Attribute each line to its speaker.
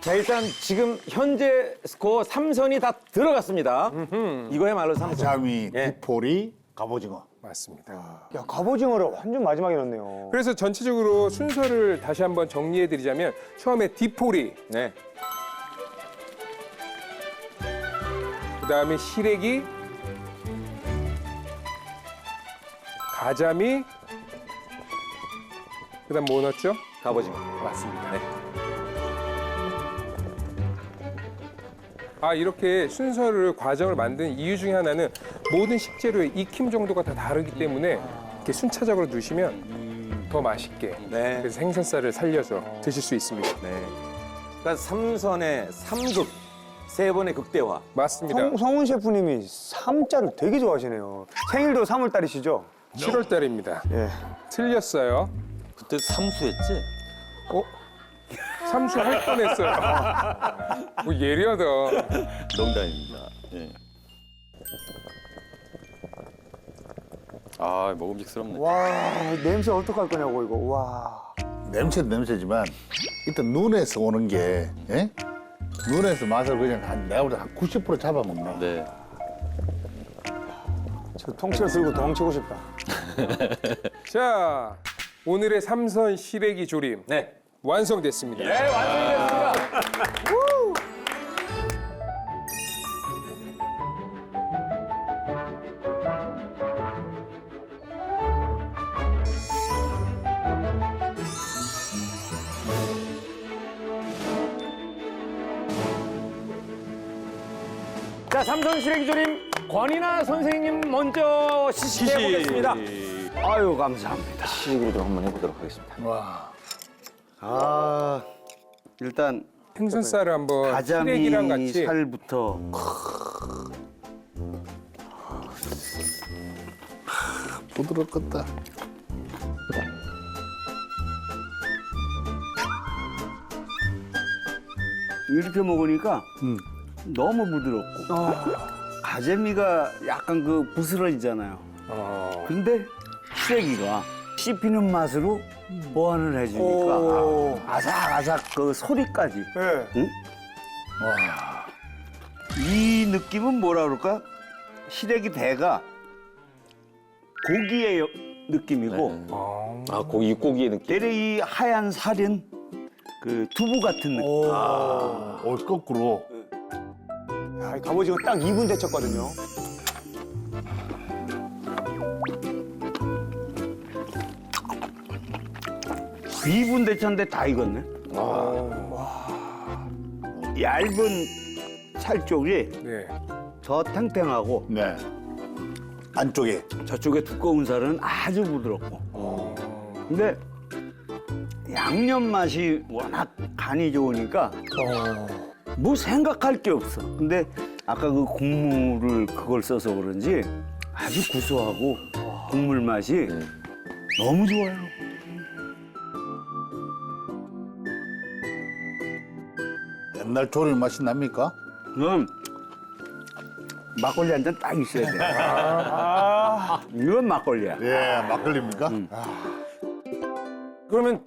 Speaker 1: 자, 일단 지금 현재 스코어 3선이 다 들어갔습니다. 이거야말로 3선.
Speaker 2: 가자미,
Speaker 1: 예.
Speaker 2: 디포리, 갑오징어.
Speaker 3: 맞습니다.
Speaker 4: 야, 갑오징어를 완전 마지막에 넣네요.
Speaker 3: 그래서 전체적으로 순서를 다시 한번 정리해드리자면 처음에 디포리,
Speaker 1: 네.
Speaker 3: 그다음에 시래기, 가자미, 그다음 뭐 넣었죠?
Speaker 1: 갑오징어.
Speaker 3: 맞습니다.
Speaker 1: 네.
Speaker 3: 아, 이렇게 순서를 과정을 만든 이유 중에 하나는 모든 식재료의 익힘 정도가 다 다르기 때문에 이렇게 순차적으로 넣으시면 더 맛있게
Speaker 1: 네.
Speaker 3: 그래서 생선살을 살려서 드실 수 있습니다.
Speaker 1: 네. 그러니까 3선의 3극, 3번의 극대화.
Speaker 3: 맞습니다.
Speaker 4: 성훈 셰프님이 삼자를 되게 좋아하시네요. 생일도 3월 달이시죠?
Speaker 3: 7월 달입니다.
Speaker 4: 예.
Speaker 3: 틀렸어요.
Speaker 1: 그때 삼수했지?
Speaker 3: 삼수 할 뻔했어요. 뭐 예리하다.
Speaker 5: 농담입니다. 예. 아, 먹음직스럽네.
Speaker 4: 와, 냄새 어떡할 거냐고, 이거. 와.
Speaker 2: 냄새도 냄새지만 일단 눈에서 오는 게 예? 눈에서 맛을 그냥 내가 볼 때 한 90% 잡아먹네.
Speaker 5: 네.
Speaker 4: 저 통째로 들고 도망치고 싶다.
Speaker 3: 자, 오늘의 삼선 시래기 조림
Speaker 1: 네.
Speaker 3: 완성됐습니다.
Speaker 1: 네, 완성이 됐습니다. 자, 삼선 시래기조림 권인아 선생님 먼저 시식해 보겠습니다.
Speaker 6: 아유, 감사합니다.
Speaker 1: 시식으로 좀 한번 해보도록 하겠습니다.
Speaker 2: 와.
Speaker 6: 아, 일단
Speaker 3: 생선살을 한번
Speaker 6: 가자미
Speaker 3: 시래기랑 같이
Speaker 6: 살부터
Speaker 2: 부드럽겠다.
Speaker 6: 이렇게 먹으니까 너무 부드럽고 가재미가 약간 그 부스러지잖아요. 근데 시래기가 씹히는 맛으로 보완을 해주니까 아삭아삭 그 소리까지.
Speaker 4: 예.
Speaker 6: 응? 이 느낌은 뭐라 그럴까? 시래기 대가 고기의 느낌이고
Speaker 1: 아, 고기, 육고기의 느낌.
Speaker 6: 대략 이 하얀 살은 그 두부 같은 느낌.
Speaker 2: 거꾸로.
Speaker 4: 야, 이 갑오징어 딱 2분 데쳤거든요.
Speaker 6: 비분 대차인데 다 익었네. 얇은 살 쪽이
Speaker 3: 네.
Speaker 6: 더 탱탱하고
Speaker 2: 네. 안쪽에.
Speaker 6: 저쪽에 두꺼운 살은 아주 부드럽고. 근데 양념 맛이 워낙 간이 좋으니까 뭐 생각할 게 없어. 근데 아까 그 국물을 그걸 써서 그런지 아주 구수하고 국물 맛이 너무 좋아요.
Speaker 2: 옛날 조림 맛이 납니까?
Speaker 6: 그럼 막걸리 한 잔 딱 있어야 돼. 이건 막걸리야.
Speaker 2: 예, 막걸리입니까?
Speaker 1: 그러면